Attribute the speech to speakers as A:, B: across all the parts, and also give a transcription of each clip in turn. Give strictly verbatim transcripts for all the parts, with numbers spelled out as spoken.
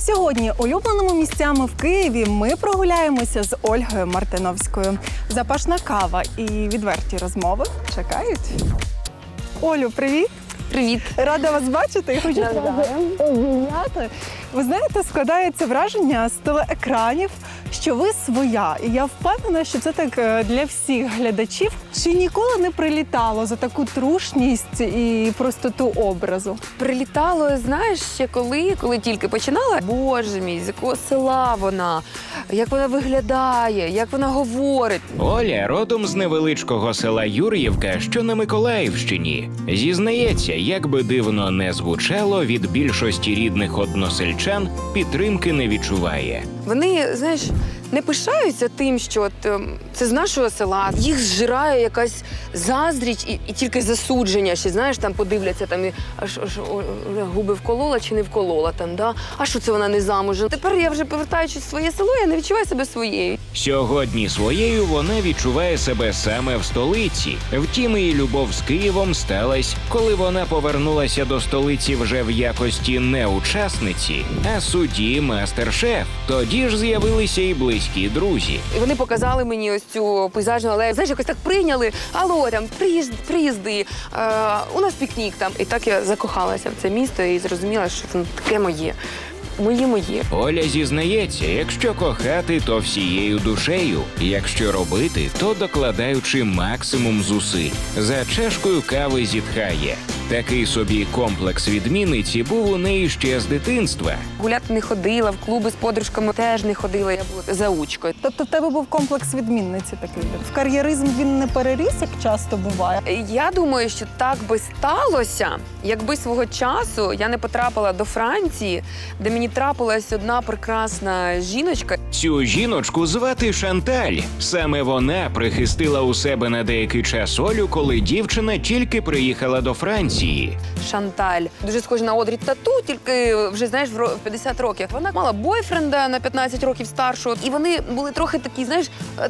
A: Сьогодні улюбленими місцями в Києві ми прогуляємося з Ольгою Мартиновською. Запашна кава і відверті розмови чекають. Олю, привіт!
B: Привіт!
A: Рада вас бачити і хочу вас обійняти. Ви знаєте, складається враження з телеекранів, що ви своя. І я впевнена, що це так для всіх глядачів. Чи ніколи не прилітало за таку трушність і простоту образу?
B: Прилітало, знаєш, ще коли, коли тільки починала. Боже мій, з якого села вона, як вона виглядає, як вона говорить.
C: Оля родом з невеличкого села Юр'ївка, що на Миколаївщині. Зізнається, як би дивно не звучало, від більшості рідних односельчан підтримки не відчуває.
B: Вони, знаєш, не пишаються тим, що от, ем, це з нашого села. Їх зжирає якась заздріч і, і тільки засудження. Ще, знаєш, там подивляться, там, і, аж, аж о, губи вколола чи не вколола. Там, да? А що це вона не замужем? Тепер я вже, повертаючись в своє село, я не відчуваю себе своєю.
C: Сьогодні своєю вона відчуває себе саме в столиці. Втім, її любов з Києвом сталась, коли вона повернулася до столиці вже в якості не учасниці, а судді мастер-шеф. Тоді ж з'явилися і близькі друзі.
B: І вони показали мені ось цю пейзажну алею. Знаєш, якось так прийняли. Алло, там, приїзд, приїзди, е, у нас пікнік там. І так я закохалася в це місто і зрозуміла, що воно таке моє. Моє-моє.
C: Оля зізнається, якщо кохати, то всією душею. Якщо робити, то докладаючи максимум зусиль. За чашкою кави зітхає. Такий собі комплекс відмінниці був у неї ще з дитинства.
B: Гуляти не ходила, в клуби з подружками теж не ходила, я була заучкою.
A: Тобто в тебе був комплекс відмінниці такий? В кар'єризм він не переріс, як часто буває?
B: Я думаю, що так би сталося, якби свого часу я не потрапила до Франції, де мені трапилась одна прекрасна жіночка.
C: Цю жіночку звати Шанталь. Саме вона прихистила у себе на деякий час Олю, коли дівчина тільки приїхала до Франції.
B: Шанталь. Дуже схожа на Одрі Тату, тільки вже, знаєш, в п'ятдесят років. Вона мала бойфренда на п'ятнадцять років старшого. І вони були трохи такі, знаєш,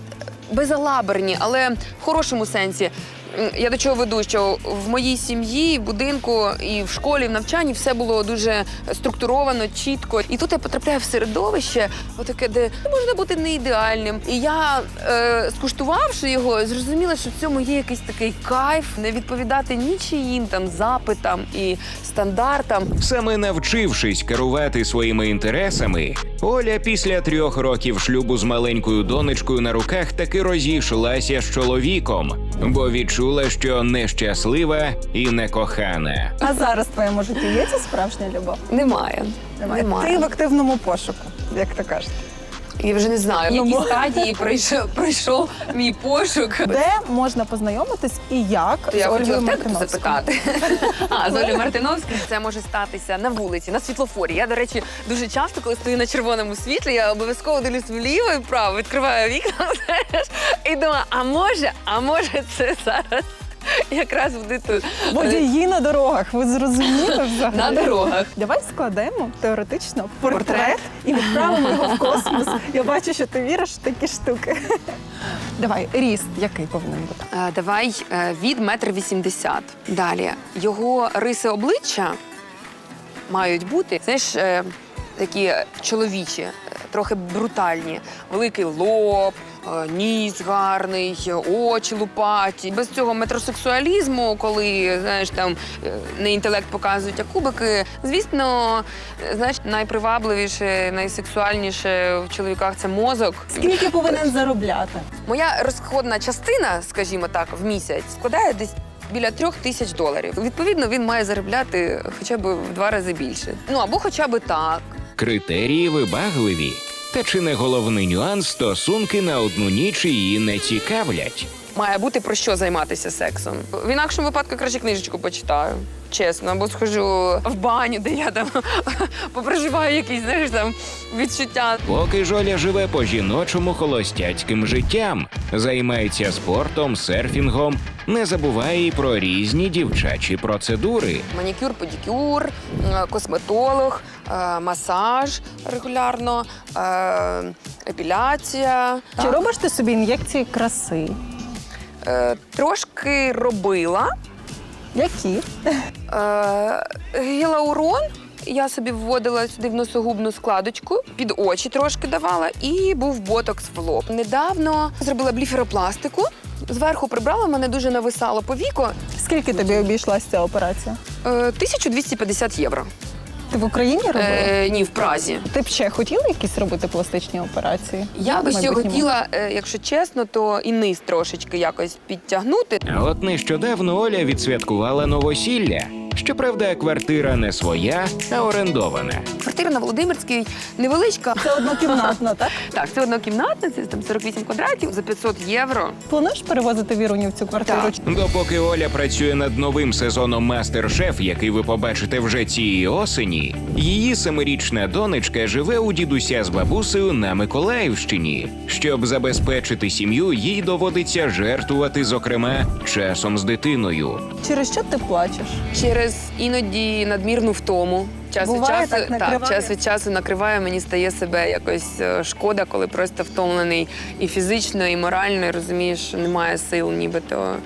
B: безалаберні, але в хорошому сенсі. Я до чого веду, що в моїй сім'ї, в будинку і в школі, в навчанні все було дуже структуровано, чітко. І тут я потрапляю в середовище, отаке, де можна бути не ідеальним. І я, е, скуштувавши його, зрозуміла, що в цьому є якийсь такий кайф, не відповідати нічиїм там запитам і стандартам.
C: Саме навчившись керувати своїми інтересами, Оля після трьох років шлюбу з маленькою донечкою на руках таки розійшлася з чоловіком, бо відчула, що нещаслива і некохана.
A: А зараз в твоєму житті є ця справжня любов?
B: Немає.
A: Немає.
B: Немає.
A: Ти в активному пошуку, як то кажуть.
B: Я вже не знаю, в
A: Ну,
B: якій
A: бо-
B: стадії пройшов, пройшов мій пошук.
A: Де можна познайомитись і як
B: То я
A: з
B: хотіла
A: Ольгою
B: в тебе
A: Мартиновською?
B: запитати. А, з Олею Мартиновською це може статися на вулиці, на світлофорі. Я, до речі, дуже часто, коли стою на червоному світлі, я обов'язково дивлюсь вліво і вправо, відкриваю вікна, знаєш, і думаю, а може, а може це зараз якраз буде тут.
A: Водії на дорогах, ви зрозуміли взагалі?
B: На дорогах.
A: Давай складемо теоретично портрет,
B: Портрет.
A: і відправимо його в космос. Я бачу, що ти віриш в такі штуки. Давай, ріст який повинен бути?
B: Е, Давай е, від метр вісімдесят. Далі. Його риси обличчя мають бути, знаєш, е, такі чоловічі, е, трохи брутальні. Великий лоб, е, ніс гарний, очі лупаті. Без цього метросексуалізму, коли, знаєш, там е, не інтелект показують, а кубики. Звісно, е, знаєш, найпривабливіше, найсексуальніше в чоловіках – це мозок.
A: Скільки повинен заробляти?
B: Моя розходна частина, скажімо так, в місяць складає десь біля трьох тисяч доларів. Відповідно, він має заробляти хоча б в два рази більше. Ну, або хоча б так.
C: Критерії вибагливі. Та чи не головний нюанс, стосунки на одну ніч її не цікавлять?
B: Має бути про що займатися сексом. В інакшому випадку краще книжечку почитаю. Чесно, або схожу в баню, де я там попроживаю якісь, знаєш, там відчуття.
C: Поки ж Оля живе по-жіночому холостяцьким життям, займається спортом, серфінгом, не забуває і про різні дівчачі процедури.
B: Манікюр, педикюр, е, косметолог, е, масаж регулярно, е, епіляція.
A: Чи робиш ти собі ін'єкції краси?
B: Е, Трошки робила.
A: Які?
B: Е, Гіалурон Я собі вводила сюди в носогубну складочку, під очі трошки давала, і був ботокс в лоб. Недавно зробила бліферопластику, зверху прибрала, мене дуже нависало по віку.
A: Скільки тобі обійшлася ця операція?
B: Е, тисяча двісті п'ятдесят євро.
A: Ти в Україні робила?
B: Е, ні, в Празі.
A: Ти б ще хотіла якісь робити пластичні операції?
B: Я би
A: В
B: ще
A: майбутньому?
B: хотіла, е, якщо чесно, то і низ трошечки якось підтягнути.
C: А от нещодавно Оля відсвяткувала новосілля. Щоправда, квартира не своя, а орендована.
B: Квартира на Володимирській невеличка.
A: Це однокімнатна, так?
B: Так, це однокімнатна, це там сорок вісім квадратів за п'ятсот євро.
A: Плануєш перевозити Віруню в цю квартиру?
B: Так.
C: Допоки Оля працює над новим сезоном «Мастер-шеф», який ви побачите вже цієї осені, її семирічна донечка живе у дідуся з бабусею на Миколаївщині. Щоб забезпечити сім'ю, їй доводиться жертвувати, зокрема, часом з дитиною.
A: Через що ти плачеш?
B: Через іноді надмірну втому. Час від
A: Буває,
B: часу
A: так накриває?
B: час від часу накриває, мені стає себе якось е, шкода, коли просто втомлений і фізично, і морально, і розумієш, що немає сил нібито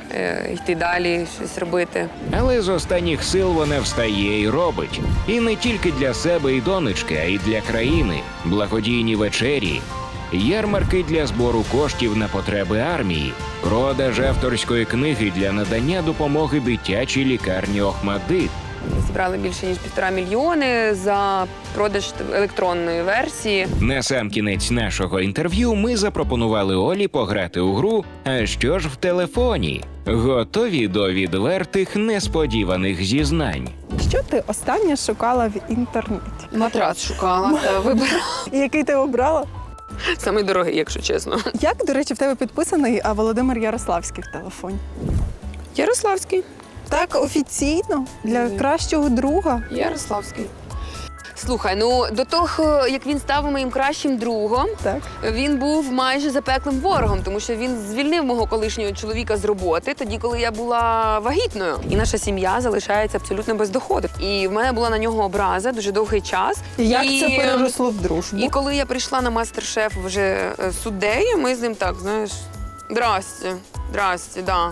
B: е, йти далі, щось робити.
C: Але з останніх сил вона встає і робить. І не тільки для себе і донечки, а й для країни. Благодійні вечері, ярмарки для збору коштів на потреби армії, продаж авторської книги для надання допомоги дитячій лікарні «Охмадит».
B: Зібрали більше ніж півтора мільйони за продаж електронної версії.
C: На сам кінець нашого інтерв'ю ми запропонували Олі пограти у гру «А що ж в телефоні?». Готові до відвертих несподіваних зізнань.
A: Що ти останнє шукала в інтернеті?
B: Матрац шукала, та вибирала.
A: І який ти обрала?
B: Самий дорогий, якщо чесно.
A: Як, до речі, в тебе підписаний а, Володимир Ярославський в телефоні?
B: Ярославський.
A: Так, офіційно, для кращого друга.
B: Ярославський. Слухай, ну до того, як він став моїм кращим другом,
A: Так.
B: він був майже запеклим ворогом, тому що він звільнив мого колишнього чоловіка з роботи тоді, коли я була вагітною. І наша сім'я залишається абсолютно без доходу. І в мене була на нього образа дуже довгий час.
A: Як
B: і...
A: це переросло в дружбу?
B: І коли я прийшла на мастер-шеф вже е, суддею, ми з ним так, знаєш, здрасте, здрасте, да.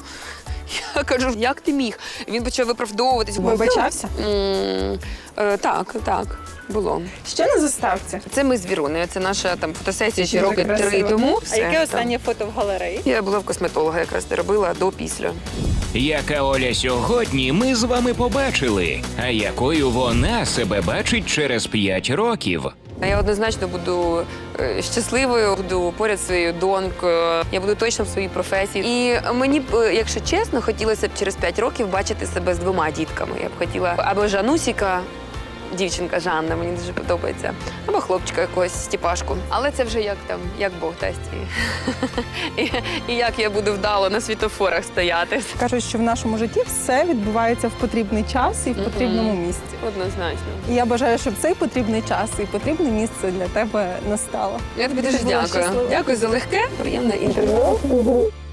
B: Я кажу, як ти міг? Він почав виправдовуватись.
A: Вибачався?
B: М, е, Так, так, було.
A: Ще на заставці.
B: Це ми з Вірунею, це наша там фотосесія ще
A: Дуже
B: роки три
A: красиво.
B: тому.
A: А
B: Все,
A: яке
B: там.
A: останнє фото в галереї?
B: Я була в косметолога, якраз де робила до-після.
C: Яка Оля сьогодні, ми з вами побачили. А якою вона себе бачить через п'ять років.
B: Я однозначно буду е, щасливою, буду поряд зі своєю донькою, я буду точно в своїй професії. І мені б, е, якщо чесно, хотілося б через п'ять років бачити себе з двома дітками. Я б хотіла або Жанусіка, дівчинка Жанна, мені дуже подобається, або хлопчика якогось Стіпашку. Але це вже як там, як Бог дасть. І, і, і як я буду вдало на світофорах стояти.
A: Кажуть, що в нашому житті все відбувається в потрібний час і в потрібному місці.
B: Однозначно.
A: І я бажаю, щоб цей потрібний час і потрібне місце для тебе настало.
B: Я тобі дуже
A: Ти була
B: дякую.
A: щаслива.
B: Дякую за легке, приємне інтерв'ю.